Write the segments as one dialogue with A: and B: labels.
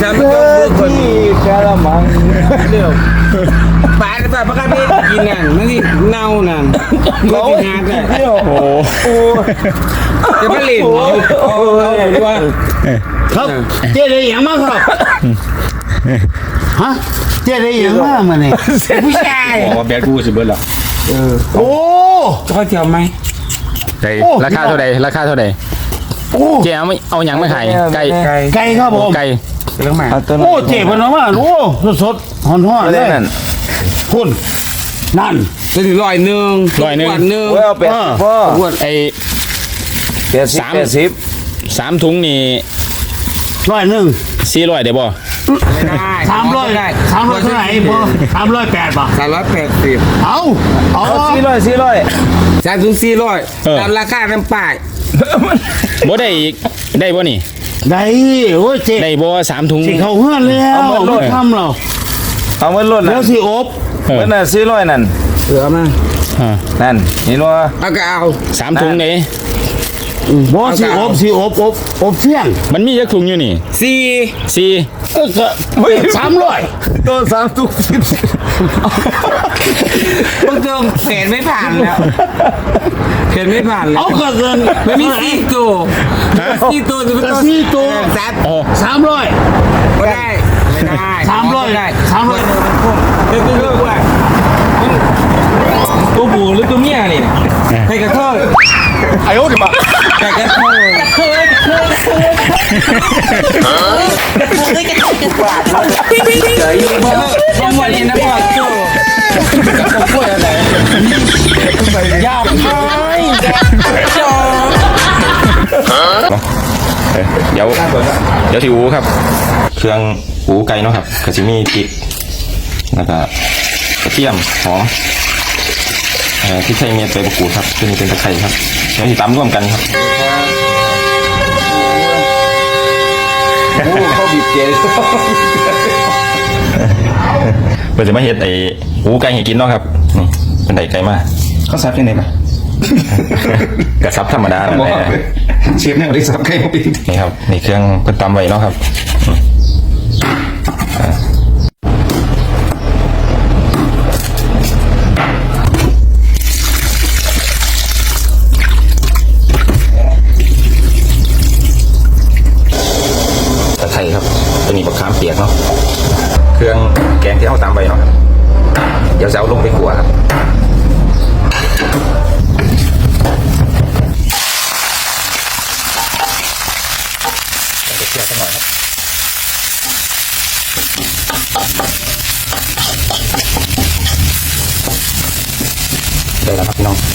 A: ฉันไม่ต้องดูคนกะละมังเดี๋ยวปลาปลาปลากระเบนกินนั่นนั่นนี่เน่านั่นเขาหาได้โอ้จะมาเล่นเอาว่า
B: ครับเจ๊ได้ยังมากครับฮะเจ๊ได้ยังมากมาเนี่ยผู้ชาย
C: อ๋อแบดกูสิเบิร์ดหรอ
B: โอ้
A: เขาเที่ยวไหม
C: ราคาเท่าใดราคาเท่าใดเจ๊เอาหยังมาขายไก่
B: ครับผม
C: ไก่
A: เรื่องใหม่
B: โอ้เจ๊พนมาโอ้สดๆห่อนๆเลยคุณนั่น
A: จะถึง100
C: เอาเป็ดพ่อไอ้3ถุงนี่
B: 100
C: 400ได้บ่
B: 300เท่าไหร่พ่อ308ป่ะ
A: 380
B: เอา
A: 400 300 ตามราคาน้ำป้าย
C: บ่ได้อีกได้บ่นี่
B: ได้โอ้ยเจ๊
C: ได้บ่3ถุง
B: สิเขาเฮือนแล้วไม่ทำเรา
D: เอาเงินล้น
B: แล้วสิอบ
D: เงินน่ะ400นั่น
A: เหลือมา
D: นั่นนี่ว่า
A: เอาก็เอา
C: 3ถุงนี่
B: บ่สิอบเที่ยง
C: มันมีจักถุงอยู่นี่4
B: ก็300
D: ตัว3ถุง
A: บางตัวเห็นไม่ผ่านแล้ว
B: เอาก็เกิน
A: ไม่มี4ตัวจะเป็น
B: ตัว300
A: ไม่ได้ตัวบูหรือตัวเมียนี่ใครกระเทย
D: ไอ้โอ้ดิมา
A: ใครกระเทยผมวันนี้นะพ่อโจ้กับผมพูดอะไรยาวไปจอ
C: เดี๋ยวที่อูครับเครื่องอูไก่เนาะครับกระชิมีพริกแล้วก็กระเทียมหอมที่ใช้เม็ดใบมะกรูดครับตัวนี้เป็นตะไคร้ครับเดี๋ยวที่ตำร่วมกันครับ
D: เขาบีบเกลือ
C: เพื่อจะมาเฮ็ดไอ้อูไก่ให้กินเนาะครับนี่เป็นไก่ไก่มา
D: เขาซับยังไงบ้าง
C: กระซับธรรมดานั่นแหละ
D: เชฟเนี่ยได้ซับไก่มาปี
C: นี่ครับนี่เครื่องเพิ่นตำไว้เนาะครับไทยครับตัวนี้บักขามเปียกเนาะเครื่องแกงที่เอาตามไปเนาะเดี๋ยวจะเอาลงไปขัวครับเคี่ยวสักหน่อยครับได้แล้วครับพี่น้อง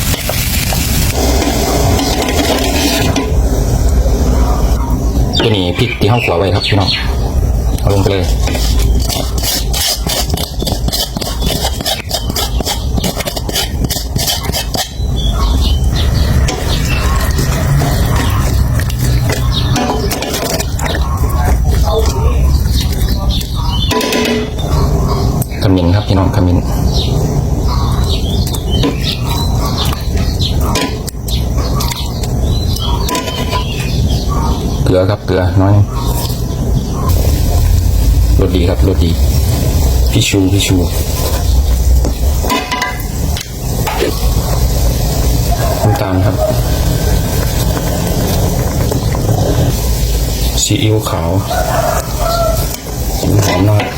C: ตัวนี้พริกที่ห้องขัวไว้ครับพี่น้องเอาลงไปเลยขมิ้นครับพี่น้องขมิ้นเกลือครับเกลือน้อยรสดีครับรสดีพี่ชูน้ำตาลครับซีอิ๊วขาวหอมน้อย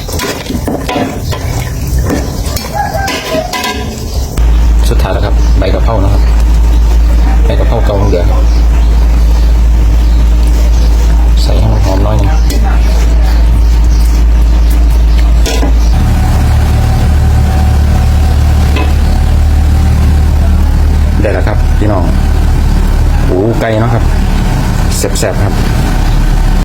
C: สุดท้ายแล้วครับใบกะเพรานะครับใบกะเพราเกาเหลือใส่ให้มันหอมน้อยนึงได้แล้วครับพี่น้องหูไก่เนาะครับแซ่บๆครับ